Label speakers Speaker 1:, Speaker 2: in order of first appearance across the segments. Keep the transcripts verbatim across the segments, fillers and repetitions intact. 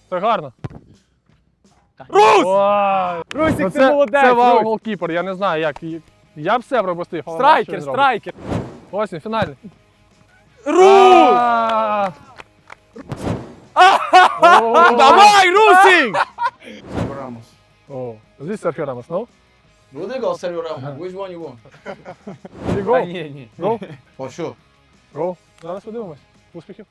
Speaker 1: Це гарно.
Speaker 2: Рус!
Speaker 1: Ой.
Speaker 2: Русик,
Speaker 1: Ну,
Speaker 2: ти
Speaker 1: це,
Speaker 2: молодець!
Speaker 1: це вау
Speaker 2: Рус!
Speaker 1: голкіпер, я не знаю як. Я б все пропустив. але бачу,
Speaker 2: Страйкер,
Speaker 1: він робить.
Speaker 2: страйкер!
Speaker 1: Ось він, фінальний.
Speaker 2: Рус!
Speaker 1: А!
Speaker 2: Давай, Русик!
Speaker 3: Sergio Ramos.
Speaker 1: О, здесь Серхіо Рамос, ну?
Speaker 3: Rodrigo or Sergio Ramos? Which one you want?
Speaker 1: І
Speaker 2: Та
Speaker 1: гол.
Speaker 2: ні, ні.
Speaker 1: Гол.
Speaker 3: For sure.
Speaker 1: Гол. Зараз подивимось. Успіхів.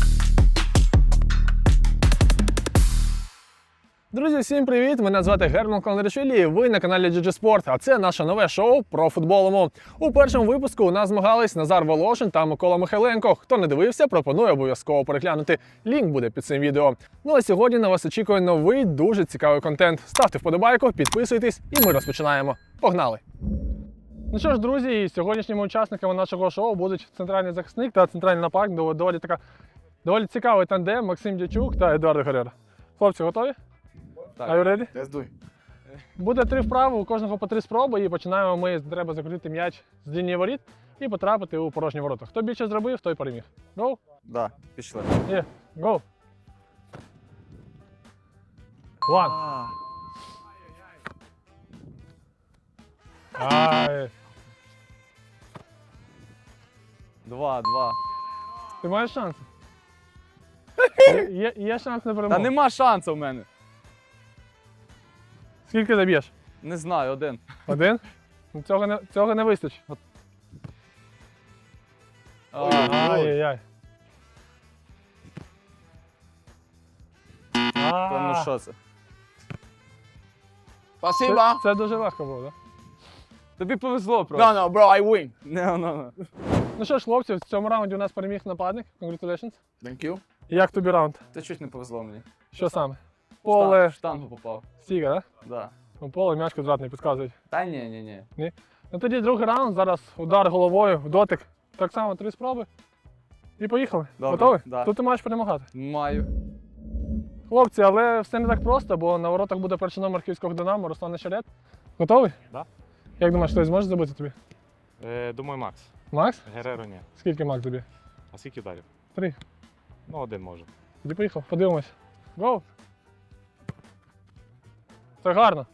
Speaker 1: Друзі, всім привіт! Мене звати Герман Кондрашвілі і ви на каналі джі джі Sport, а це наше нове шоу про футболому. У першому випуску у нас змагались Назар Волошин та Микола Михайленко. Хто не дивився, пропоную обов'язково переглянути. Лінк буде під цим відео. Ну а сьогодні на вас очікує новий, дуже цікавий контент. Ставте вподобайку, підписуйтесь і ми розпочинаємо. Погнали! Ну що ж, друзі, сьогоднішніми учасниками нашого шоу будуть центральний захисник та центральний нападник. Доволі така доволі цікавий тандем Максим Дячук та Едуард Герера. Хлопці, готові?
Speaker 2: Так.
Speaker 1: Are you ready?
Speaker 3: Let's do it.
Speaker 1: Буде три вправи, у кожного по три спроби, і починаємо ми, треба закрутити м'яч з лінії воріт і потрапити у порожні ворота. Хто більше зробив, той переміг. Go?
Speaker 2: Да, пішли.
Speaker 1: Є. Go. One. Ай.
Speaker 2: Два, два.
Speaker 1: Ти маєш шанс? Є, є, є шанс на перемогу.
Speaker 2: Та нема шансу в мене.
Speaker 1: Скільки заб'єш?
Speaker 2: Не знаю, один.
Speaker 1: Один? Ну, Цього не, цього не вистачить. Ай-яй-яй.
Speaker 2: Та ну що це?
Speaker 3: Спасибо.
Speaker 1: Це, це дуже легко було, так?
Speaker 2: Тобі повезло просто.
Speaker 3: No, no, bro, I win.
Speaker 2: Не, no, no.
Speaker 1: Ну що ж, хлопці, в цьому раунді у нас переміг нападник. Congratulations.
Speaker 3: Thank you.
Speaker 1: Як тобі раунд?
Speaker 2: Та чуть не повезло мені.
Speaker 1: Що саме?
Speaker 2: Штан-
Speaker 1: Поле,
Speaker 2: Штангу попав.
Speaker 1: стіга, так?
Speaker 2: Да.
Speaker 1: Ну, поле, м'яч квадратний, підказують.
Speaker 2: Та ні, ні, ні.
Speaker 1: Ну тоді другий раунд, зараз удар головою, в дотик. Так само три спроби. І поїхали.
Speaker 2: Добре,
Speaker 1: Готовий?
Speaker 2: да.
Speaker 1: Тут ти маєш перемагати.
Speaker 2: Маю.
Speaker 1: Хлопці, але все не так просто, бо на воротах буде перший номер київського Динамо, Руслан Нещерет. Готовий?
Speaker 4: Да.
Speaker 1: Як думаєш, хтось зможе забити тобі?
Speaker 4: Е, думаю, Макс.
Speaker 1: Макс?
Speaker 4: Гереро ні.
Speaker 1: Скільки Макс тобі?
Speaker 4: А скільки ударів?
Speaker 1: Три.
Speaker 4: Ну, один може.
Speaker 1: Тоді поїхав, подивимось. Гоу! Це гарно.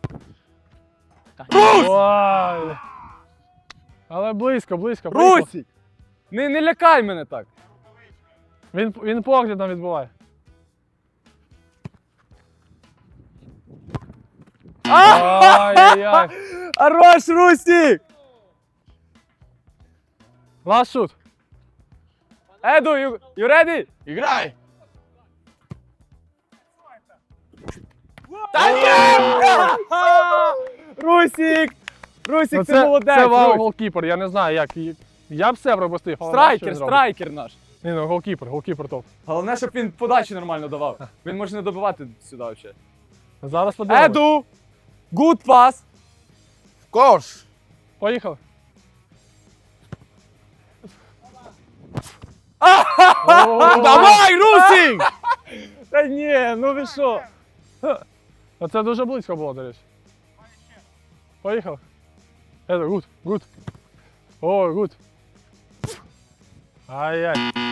Speaker 1: Ой! Але близько, близько. поїхав.
Speaker 2: Русик! Не, не лякай мене так.
Speaker 1: Він, він поглядом відбуває. Ай-яй-яй.
Speaker 2: Хорош, Русик!
Speaker 1: Last shoot.
Speaker 2: Еду, you, you ready?
Speaker 3: Играй.
Speaker 2: Русик! Русик,
Speaker 1: Ну,
Speaker 2: ти
Speaker 1: це,
Speaker 2: молодець!
Speaker 1: це вау
Speaker 2: Русь.
Speaker 1: голкіпер, я не знаю як. Я б все пропустив. але
Speaker 2: Страйкер,
Speaker 1: бачу, що він робить.
Speaker 2: страйкер наш.
Speaker 1: Ні, ну голкіпер, голкіпер топ.
Speaker 2: Головне, щоб він подачі нормально давав. Він може не добивати сюди взагалі.
Speaker 1: Зараз подивимось.
Speaker 2: Еду! Good pass!
Speaker 3: Of course.
Speaker 1: Поїхали.
Speaker 2: Давай, Русик! Та ні, ну ви що?
Speaker 1: Оце дуже близько було, до речі. Поїхали. Це гуд, гуд. О, гуд. Ай-яй.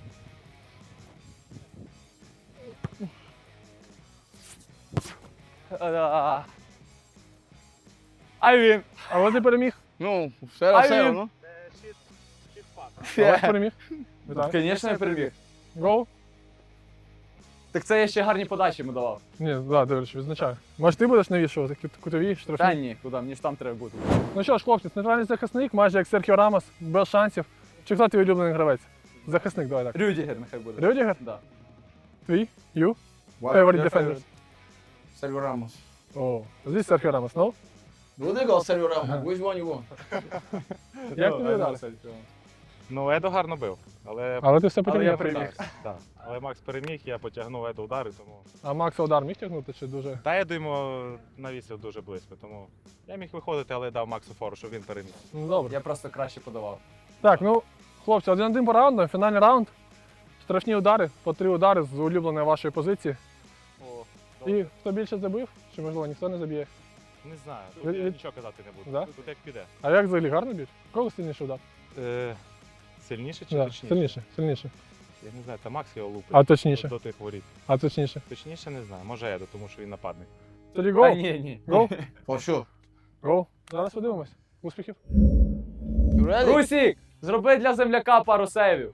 Speaker 2: А він.
Speaker 1: Але ти переміг.
Speaker 3: Ну, cero
Speaker 2: I
Speaker 3: cero,
Speaker 2: win.
Speaker 3: ¿no?
Speaker 1: Але ж переміг. Вітаю.
Speaker 2: Звісно, я переміг.
Speaker 1: Гол?
Speaker 2: Так це я ще гарні подачі йому давав.
Speaker 1: Ні, да, до речі, відзначаю. Може ти будеш навішувати кут- кутові,
Speaker 2: Та
Speaker 1: штрафні?
Speaker 2: ні, куди, мені ж там треба бути.
Speaker 1: Ну що ж, хлопці, центральний захисник, майже як Серхіо Рамос, без шансів. Чи хто твій улюблений гравець? Захисник, давай так.
Speaker 2: Рюдігер нехай буде.
Speaker 1: Рюдігер?
Speaker 2: Да.
Speaker 1: Твій? You?
Speaker 3: What?
Speaker 1: Favorite
Speaker 2: Your
Speaker 1: defenders?
Speaker 3: Sergio Ramos.
Speaker 1: О, здесь Серхіо Рамос, ну?
Speaker 3: Rodrigo or Sergio Ramos? Which one you want?
Speaker 1: Як
Speaker 2: Ну,
Speaker 1: тобі удар?
Speaker 4: Ну, Едо гарно бив. Але,
Speaker 1: Але ти все
Speaker 2: Але я
Speaker 1: потягнув.
Speaker 2: переміг.
Speaker 4: так. Але Макс переміг, я потягнув Едо удари, тому.
Speaker 1: А Макса удар міг тягнути чи дуже?
Speaker 4: Та Едо йому навісив дуже близько, тому я міг виходити, але дав Максу фору, щоб він переміг.
Speaker 1: Ну добре.
Speaker 2: Я просто краще подавав.
Speaker 1: Так, ну, хлопці, один-один по раунду, фінальний раунд. Штрафні удари, по три удари з улюбленої вашої позиції.
Speaker 4: О,
Speaker 1: І хто більше забив, чи можливо ніхто не заб'є.
Speaker 4: не знаю,
Speaker 1: Ви-
Speaker 4: тут я
Speaker 1: ви-
Speaker 4: нічого казати не буду.
Speaker 1: Да?
Speaker 4: Тут як піде.
Speaker 1: А як взагалі гарно б'ють? Кого сильніше удар?
Speaker 4: Е, сильніше чи
Speaker 1: Да,
Speaker 4: точніше?
Speaker 1: сильніше, сильніше.
Speaker 4: Я не знаю, та Макс його лупить.
Speaker 1: А точніше?
Speaker 4: До тих воріт.
Speaker 1: А точніше.
Speaker 4: Точніше не знаю. Може Еду, тому що він нападник.
Speaker 1: Тоді
Speaker 2: Та
Speaker 1: гол.
Speaker 2: ні, ні.
Speaker 1: Гол.
Speaker 3: For sure.
Speaker 1: Гол. Зараз подивимось. Успіхів.
Speaker 3: You ready?
Speaker 2: Русік, зроби для земляка пару сейвів.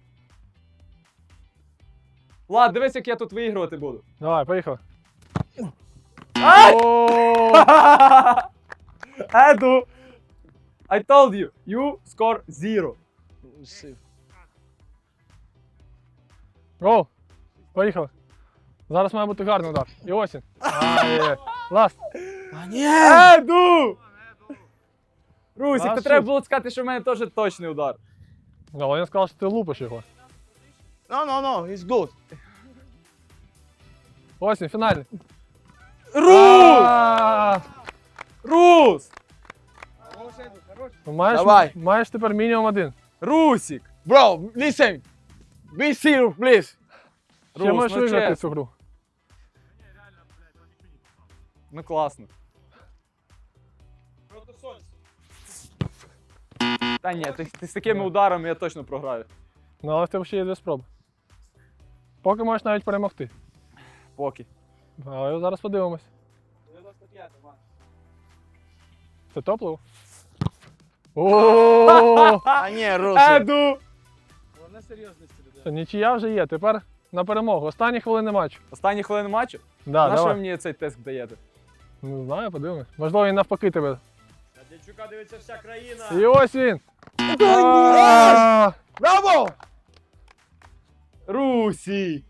Speaker 2: Влад, дивись, як я тут виігрувати буду.
Speaker 1: Давай, поїхали.
Speaker 2: Ай!
Speaker 1: О!
Speaker 2: Еду! I told you, you score zero.
Speaker 3: See.
Speaker 1: Гол. Поїхали. Зараз має бути гарний удар. І ось він. Ай, ласт.
Speaker 3: А ні!
Speaker 2: Еду! Русік,
Speaker 1: А
Speaker 2: то
Speaker 1: що
Speaker 2: треба
Speaker 1: ж?
Speaker 2: було сказати, що в мене теж точний удар.
Speaker 1: Але він сказав, що ти лупиш його.
Speaker 3: No, no, no, it's good.
Speaker 1: Ось він, фінальний.
Speaker 2: Рус!
Speaker 1: А,
Speaker 2: Рус!
Speaker 1: Маєш,
Speaker 3: Давай.
Speaker 1: маєш тепер мінімум один.
Speaker 2: Русік!
Speaker 3: Bro, listen. Be serious, please.
Speaker 1: Ще
Speaker 2: Рус,
Speaker 1: можеш
Speaker 2: ну
Speaker 1: виграти
Speaker 2: чесно.
Speaker 1: цю гру.
Speaker 2: Ну класно. Та ні, ти, ти з такими ударами я точно програю.
Speaker 1: Ну, але в тебе ще є дві спроби. Поки можеш навіть перемогти.
Speaker 2: Поки.
Speaker 1: Але зараз подивимось. Це топливо? О,
Speaker 3: А ні, Руси.
Speaker 2: Еду!
Speaker 1: Це нічия вже є. Тепер на перемогу. Останні хвилини матчу.
Speaker 2: Останні хвилини матчу?
Speaker 1: Да,
Speaker 2: На що ви
Speaker 1: давай.
Speaker 2: мені цей тест даєте?
Speaker 1: Не знаю, подивимось. Можливо, він навпаки тебе.
Speaker 5: Дячука дивиться вся країна.
Speaker 1: І ось він. А,
Speaker 3: Браво!
Speaker 2: Русі!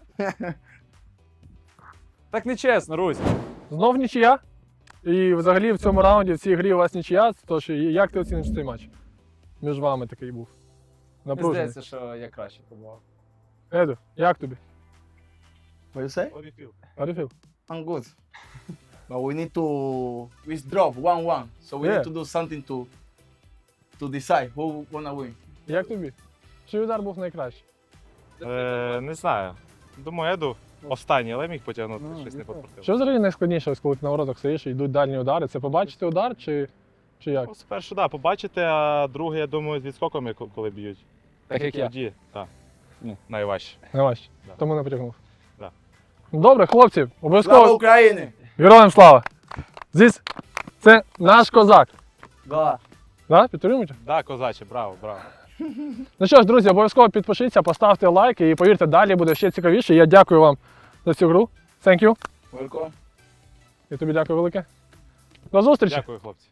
Speaker 2: Так не чесно, Русь.
Speaker 1: Знов нічия. І взагалі в цьому раунді, в цій грі у вас нічия. Тож як ти оціниш цей матч? Між вами такий був.
Speaker 2: Мені
Speaker 1: Напружений.
Speaker 2: здається, що я краще побував.
Speaker 1: Еду, як тобі?
Speaker 3: What you say?
Speaker 1: Арифіл?
Speaker 3: I'm good. But we need to withdraw one one. So we
Speaker 1: Yeah.
Speaker 3: need to do something to to decide who wanna win.
Speaker 1: Як тобі? Чий удар був найкращий?
Speaker 4: Е, не знаю. Думаю, Еду останній, але міг потягнути,
Speaker 2: Ну,
Speaker 4: щось не
Speaker 2: ніколи.
Speaker 4: попортив.
Speaker 1: Що взагалі найскладніше, ось коли ти на воротах стоїш і йдуть дальні удари? Це побачити удар чи, чи як?
Speaker 4: Ну, спершу, так, да, побачите, а друге, я думаю, з відскоками, ко- коли б'ють.
Speaker 2: Так як я.
Speaker 4: Тоді, так. Ну, найважче.
Speaker 1: Не важче.
Speaker 4: Да.
Speaker 1: Тому не потягнув.
Speaker 4: Да.
Speaker 1: Добре, хлопці,
Speaker 3: Слава
Speaker 1: обов'язково
Speaker 3: Україні!
Speaker 1: героям слава! Зіс, це наш козак.
Speaker 2: Да.
Speaker 1: Да? Підтримуєте?
Speaker 4: Так, да, козаче, браво, браво.
Speaker 1: Ну що ж, друзі, обов'язково підпишіться, поставте лайк і повірте, далі буде ще цікавіше. Я дякую вам за цю гру. Thank you.
Speaker 3: Welcome.
Speaker 1: І тобі дякую велике. До зустрічі.
Speaker 4: Дякую, хлопці.